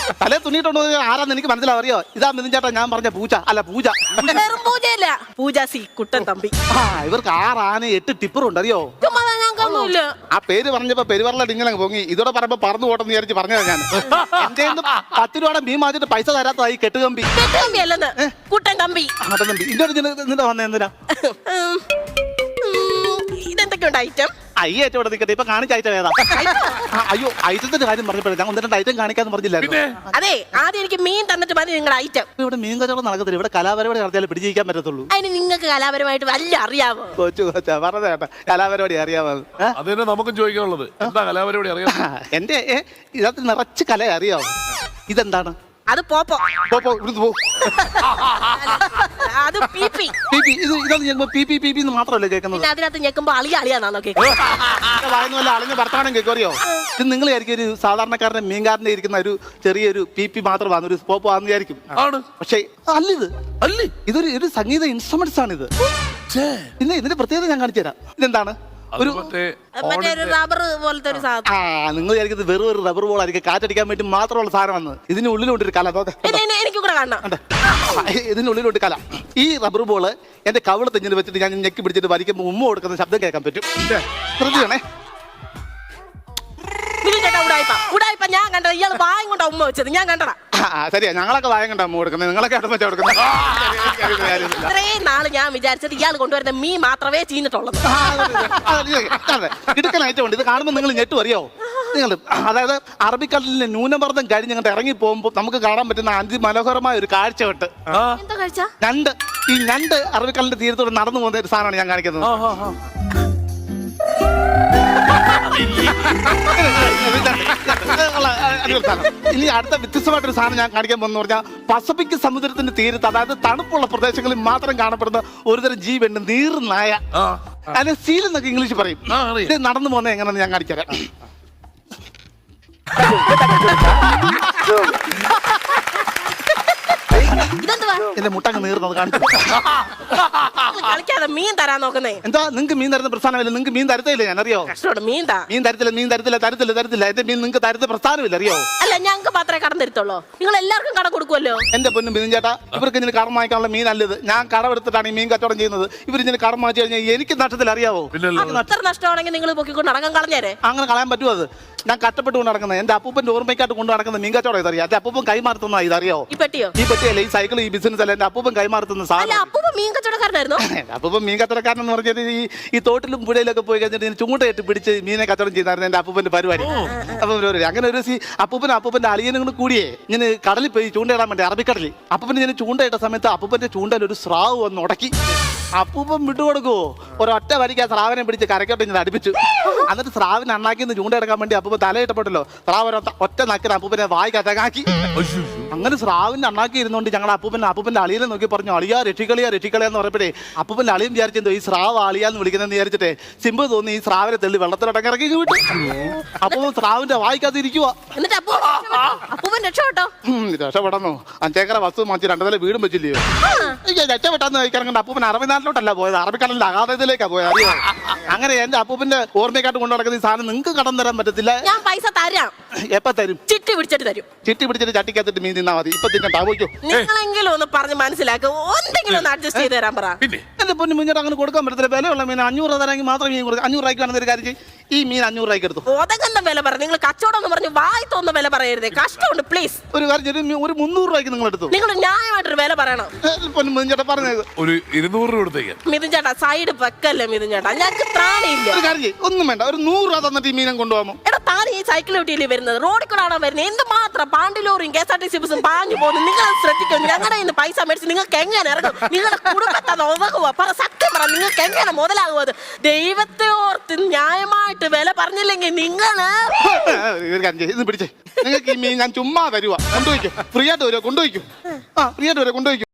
തലേ തുണിയിട്ടുണ്ടോ ആരാന്ന് എനിക്ക് മനസ്സിലാവും. അറിയോ, ഇതാ മിഥുൻ ചേട്ടാ ഞാൻ പറഞ്ഞ പൂച്ച. അല്ല പൂജ. വെറും പൂജയല്ല, പൂജ സി കുട്ടൻ തമ്പി. ഇവർക്ക് 6 ആന 8 ടിപ്പറുണ്ട്. അറിയോ, ഞങ്ങൾക്കൊന്നുമില്ല. ആ പേര് പറഞ്ഞപ്പോ പെരുവറല ഇങ്ങനെ പൊങ്ങി. ഇതോടെ പറയുമ്പോ പറന്നു പോട്ടെന്ന് വിചാരിച്ച് പറഞ്ഞതാ ഞാൻ. എന്റെ 10 രൂപയുടെ മീൻ മാറ്റിട്ട് പൈസ തരാത്തതായി കെട്ടുകമ്പി. കെട്ടുകമ്പി അല്ലെന്ന്, കുട്ടൻ തമ്പി. ഇന്നോട് വന്ന എന്തിനാ? ഇതെന്തൊക്കെയുണ്ട് ഐറ്റം? അയ്യേറ്റം ഇവിടെ നിൽക്കട്ടെ. ഇപ്പൊ കാണിച്ച ഐറ്റം ഏതാ? അയ്യോ, ഐറ്റത്തിന്റെ കാര്യം പറഞ്ഞപ്പോഴേ ഞാൻ 1-2 ഐറ്റം കാണിക്കാന്ന് പറഞ്ഞില്ലായിരുന്നു. അതെ, ആദ്യം എനിക്ക് മീൻ തന്നിട്ട് മതി നിങ്ങളുടെ ഐറ്റം. ഇവിടെ മീൻ കച്ചവടം നടക്കത്തില്ല. ഇവിടെ കലാപരിപാടി നടത്തിയാലേ പിടിച്ചിരിക്കാൻ പറ്റത്തുള്ളൂ. അതിന് നിങ്ങൾക്ക് കലാപരമായിട്ട് വല്ല അറിയാമോ? കൊച്ചാ പറഞ്ഞ കേട്ടാ, കലാപരിപാടി അറിയാമോ? അതന്നെ നമുക്കും ചോദിക്കാനുള്ളത്. എന്താ കലാപരിപാടി അറിയാം? എന്റെ ഇതിനകത്ത് നിറച്ച് കല അറിയാമോ? ഇതെന്താണ്? അത് പോപ്പോ. ഇവിടുന്ന് പോ. അത് പീപ്പി. ഇതൊന്നും ഞെക്കുമ്പോ പി എന്ന് മാത്രമല്ലേ കേൾക്കുന്നത്. പിന്നെ അതിനകത്ത് ഞെക്കുമ്പോ അളിയാന്നാണോ കേൾക്കുന്നത്? വായനല്ല അളിഞ്ഞ ഭർത്താനം കേൾക്കറിയോ? ഇത് നിങ്ങൾ വിചാരിക്കും ഒരു സാധാരണക്കാരന്റെ മീൻകാരന്റെ ഇരിക്കുന്ന ഒരു ചെറിയൊരു പി മാത്രമാണ്, ഒരു പോപ്പോ ആണെന്ന് വിചാരിക്കും. പക്ഷേ ഇതൊരു സംഗീത ഇൻസ്ട്രുമെന്റ്സ് ആണ് ഇത്. പിന്നെ ഇതിന്റെ പ്രത്യേകത ഞാൻ കാണിച്ചു തരാം. ഇതെന്താണ്? മറ്റേ റബ്ബർ പോലത്തെ ഒരു സാധനം. നിങ്ങൾ വിചാരിക്കുന്നത് വെറും ഒരു റബ്ബർ ബോൾ ആയിരിക്കും, കാറ്റടിക്കാൻ വേണ്ടി മാത്രമുള്ള സാധനമാണ്. ഇതിന് ഉള്ളിലുണ്ടൊരു കല. എനിക്ക് കൂടെ കാണണം. ഇതിനുള്ളിലുണ്ട് കല. ഈ റബ്ബർ ബോള് എന്റെ കവിള തെഞ്ഞിന് വെച്ചിട്ട് ഞാൻ ഞെക്കി പിടിച്ചിട്ട് വലിക്കുമ്പോൾ ഉമ്മ കൊടുക്കുന്ന ശബ്ദം കേൾക്കാൻ പറ്റും. ശ്രദ്ധിക്കണേ. ഉടായിപ്പ ഞാൻ കണ്ടത് ഇയാൾ വായം കൊണ്ടാ ഉമ്മ വെച്ചത്. ഞാൻ കണ്ടടാ. ശരിയാ, ഞങ്ങളൊക്കെ വായം കണ്ടാ ഉമ്മ കൊടുക്കുന്നത്, നിങ്ങളൊക്കെ അടുപ്പച്ച കൊടുക്കുന്നത്. ഇത്രയും നാള് ഞാൻ വിചാരിച്ചത് ഇയാൾ കൊണ്ടുവരുന്ന മീൻ മാത്രമേ ചീഞ്ഞിട്ടുള്ളൂ. ഇടുക്കനായിട്ട് ഉണ്ട്. ഇത് കാണുമ്പോൾ നിങ്ങൾ ഞെട്ടു അറിയോ? നിങ്ങൾ അതായത് അറബിക്കടലിലെ ന്യൂനമർദ്ദം കഴിഞ്ഞ് ഇങ്ങോട്ട് ഇറങ്ങി പോകുമ്പോൾ നമുക്ക് കാണാൻ പറ്റുന്ന അതിമനോഹരമായ ഒരു കാഴ്ച കേട്ട്. എന്താ കാഴ്ച? ഞണ്ട്. ഈ ഞണ്ട് അറബിക്കടലിന്റെ തീരത്തോടെ നടന്നു പോകുന്ന ഒരു സാധനമാണ് ഞാൻ കാണിക്കുന്നത്. ഇനി അടുത്ത വ്യത്യസ്തമായിട്ടൊരു സാധനം ഞാൻ കാണിക്കാൻ പോകുന്ന പറഞ്ഞാൽ പസഫിക് സമുദ്രത്തിന്റെ തീരത്ത്, അതായത് തണുപ്പുള്ള പ്രദേശങ്ങളിൽ മാത്രം കാണപ്പെടുന്ന ഒരുതരം ജീവനുണ്ട്, നീർനായ. അതിന് സീൽ എന്നൊക്കെ ഇംഗ്ലീഷ് പറയും. ഇത് നടന്നു പോകുന്നത് എങ്ങനെയാണെന്ന് ഞാൻ കാണിച്ചുതരാം. എന്റെ മുട്ടങ്ങ് നീർന്നത് കാണിച്ചു. കളിക്കാതെ മീൻ തരാൻ നോക്കുന്നേ. എന്താ നിങ്ങൾക്ക് മീൻ തരുന്ന പ്രസ്ഥാനമില്ല? നിങ്ങൾക്ക് മീൻ തരത്തില്ല, ഞാൻ അറിയോ? മീൻ തരത്തില്ല. എന്റെ മീൻ നിങ്ങൾക്ക് തരുന്ന പ്രസ്ഥാനമില്ല, അറിയോ? അല്ല, ഞങ്ങൾക്ക് മാത്രമേ കടം തരത്തുള്ളൂ. നിങ്ങൾ എല്ലാവർക്കും കട കൊടുക്കുമല്ലോ. എന്റെ പൊന്നും മിഥുൻ ചേട്ടാ, ഇവർക്ക് ഇതിന് കടം വാങ്ങിക്കാനുള്ള മീൻ അല്ലത്. ഞാൻ കടമെടുത്തിട്ടാണ് ഈ മീൻ കച്ചവടം ചെയ്യുന്നത്. ഇവർ ഇതിന് കടം വാങ്ങിച്ചു കഴിഞ്ഞാൽ എനിക്ക് നഷ്ടത്തിൽ, അറിയാവോ? അത്ര നഷ്ടമാണെങ്കിൽ നിങ്ങൾ പൊക്കിക്കൊണ്ട് നടക്കാൻ കളഞ്ഞേരെ. അങ്ങനെ കളയാൻ പറ്റുമോ? അത് ഞാൻ കഷ്ടപ്പെട്ട് കൊണ്ട് നടക്കുന്നത് എന്റെ അപ്പൂപ്പന്റെ ഓർമ്മയ്ക്കായിട്ട് കൊണ്ട് നടക്കുന്ന മീൻ കച്ചവടം ഇതറിയാം. എന്റെ അപ്പൂപ്പൻ കൈമാറുന്ന ഇതറിയോ? ഈ പെട്ടിയോ? ഈ പെട്ടിയല്ല, ഈ സൈക്കിൾ, ഈ ബിസിനസ് അല്ല, എന്റെ അപ്പൂപ്പൻ കൈമാറുന്ന സാധനം. അപ്പൂപ്പൻ മീൻ കച്ചവടക്കാരനായിരുന്നു. അപ്പൂപ്പൻ മീൻ കച്ചവടക്കാരൻ എന്ന് പറഞ്ഞാൽ ഈ തോട്ടിലും പുഴയിലൊക്കെ പോയി കഴിഞ്ഞിട്ട് ചൂണ്ടയിട്ട് പിടിച്ച് മീനെ കച്ചവടം ചെയ്യുന്നതായിരുന്നു എന്റെ അപ്പൂപ്പന്റെ പരിപാടി. അപ്പം അങ്ങനെ ഒരു അപ്പൂപ്പന്റെ അളിയനും കൂടെ കൂടിയേ ഞാൻ കടലിൽ പോയി ചൂണ്ടയിടാൻ വേണ്ടി, അറബിക്കടലിൽ. അപ്പൂപ്പന് ഞാൻ ചൂണ്ടയിട്ട സമയത്ത് അപ്പൂപ്പന്റെ ചൂണ്ടയിൽ ഒരു സ്രാവ് വന്ന് ഉടക്കി. അപ്പൂപ്പൻ വിട്ടുകൊടുക്കുവോ? ഒരൊറ്റ വരിക്ക് ആ സ്രാവിനെ പിടിച്ച് കരക്കോട്ട് ഞാൻ അടുപ്പിച്ചു. എന്നിട്ട് സ്രാവിനെ അണ്ണാക്കിന്ന് ചൂണ്ടയെടുക്കാൻ വേണ്ടി അപ്പൂപ്പൻ തലയിട്ടപ്പെട്ടല്ലോ. സ്രാവ് ഒറ്റ നക്കിന് അപ്പൂപ്പനെ വായിക്കത്തകാക്കി. അങ്ങനെ സ്രാവിന്റെ അണ്ണാക്കി ഇരുന്നുകൊണ്ട് ഞങ്ങൾ അപ്പൂപ്പന്റെ അളിയനെ നോക്കി പറഞ്ഞു, അളിയാ രക്ഷിക്കളിയാന്ന് പറഞ്ഞപ്പോഴേ അപ്പൂപ്പന്റെ അളിയും വിചാരിച്ചെന്തോ ഈ സ്രാവ് അളിയാന്ന് വിളിക്കുന്നതെന്ന് വിചാരിച്ചിട്ടേ സിമ്പ് തോന്നി ഈ സ്രാവിനെ തെള്ളി വെള്ളത്തിലോട്ടൊക്കെ ഇറക്കി വിട്ടു. അപ്പൂപ്പൻ സ്രാവിന്റെ വായിക്കാതിരിക്കുവാ. രക്ഷപ്പെടന്നോ? 5 ഏക്കർ വസ്തു മാറ്റി 2 നില വീടും വെച്ചില്ലയോ? രക്ഷപ്പെട്ടാന്ന് കഴിക്കാറുണ്ട്. അപ്പൂപ്പൻ അറബിനാട്ടിലോട്ടല്ല പോയത്, അറബിക്കടലിന്റെ അഗാധത്തിലേക്കാ പോയത്, അറിയോ? അങ്ങനെ എന്റെ അപ്പൂപ്പന്റെ ഓർമ്മയ്ക്കാട്ട് കൊണ്ടു നടക്കുന്ന ഈ സാധനം നിങ്ങൾക്ക് കടം തരാൻ പറ്റത്തില്ല. ഞാൻ പൈസ തരാം. എപ്പ തരും? ചിട്ടി പിടിച്ചിട്ട് തരും. ചിട്ടി പിടിച്ചിട്ട് ചട്ടിക്കകത്തിട്ട് മീൻ തിന്നാ മതി. ഇപ്പൊ തിന്നണ്ടാ, പോയിക്കോ. നിങ്ങളെങ്കിലും ഒന്ന് പറഞ്ഞ് മനസ്സിലാക്കുക, എന്തെങ്കിലും ഒന്ന് അഡ്ജസ്റ്റ് ചെയ്ത് തരാൻ പറ. എന്റെ പൊന്നു മുന്നോട്ട് അങ്ങനെ കൊടുക്കാൻ പറ്റത്തില്ല. വിലയുള്ള മീൻ 500 രൂപ തരാമെങ്കിൽ മാത്രം മീൻ കൊടുക്കും. 500 രൂപയ്ക്ക് വേണമെന്നൊരു കാര്യം ചെയ്യും, ഈ മീൻ 500 രൂപയ്ക്ക് എടുത്തു. ഒതകന്ന വില പറ. നിങ്ങൾ കച്ചവടം എന്ന് പറഞ്ഞ് വായി തോന്നുന്ന വില പറയരുതേ, കഷ്ടമുണ്ട്. പ്ലീസ് ഒരു കാര്യം, ഒരു 300 രൂപയ്ക്ക് നിങ്ങൾ എടുത്തു. നിങ്ങൾ ന്യായമായിട്ടൊരു വില പറയണം. മിഥുൻ ചേട്ടാ പറഞ്ഞത് ഒരു 200 രൂപ എടുത്തേക്ക്. മിഥുൻ ചേട്ടാ സൈഡ് വെക്കല്ലേ മിഥുൻ ചേട്ടാ, ഞങ്ങൾക്ക് ത്രാണിയില്ല. ഒരു കാര്യം, ഒന്നും വേണ്ട, ഒരു 100 രൂപ തന്നിട്ട് ഈ മീനം കൊണ്ടുപോകാമോ? എടാ, താൻ ഈ സൈക്കിൾ വീട്ടിലേ വരുന്നത്, റോഡിൽ കൂടെ ആണോ വരുന്നത്? എന്തുമാത്രം പാണ്ടിലോറിയും KSRTC ബസ്സും പാഞ്ഞു പോകുന്നു. നിങ്ങൾ ശ്രദ്ധിക്കും. ഞങ്ങളുടെ ഇന്ന് പൈസ മേടിച്ച് നിങ്ങൾക്ക് എങ്ങനെ ഇറങ്ങും? നിങ്ങളുടെ കുടുംബത്തെ ഉതകുവോ? പറ, സത്യം പറ, നിങ്ങൾക്ക് എങ്ങനെ മുതലാകുമോ? അത് ദൈവത്തെ ഓർത്ത് ന്യായമായിട്ട് വില പറഞ്ഞില്ലെങ്കിൽ നിങ്ങള് പിടിച്ചേ. നിങ്ങൾക്ക് ഈ മീൻ ഞാൻ ചുമ്മാ തരുവാ, കൊണ്ടുപോയിക്കും. ഫ്രീ ആയിട്ട് വരുമോ? കൊണ്ടുപോയിക്കും. ഫ്രീ ആയിട്ട് വരുമോ? കൊണ്ടുപോയിക്കും.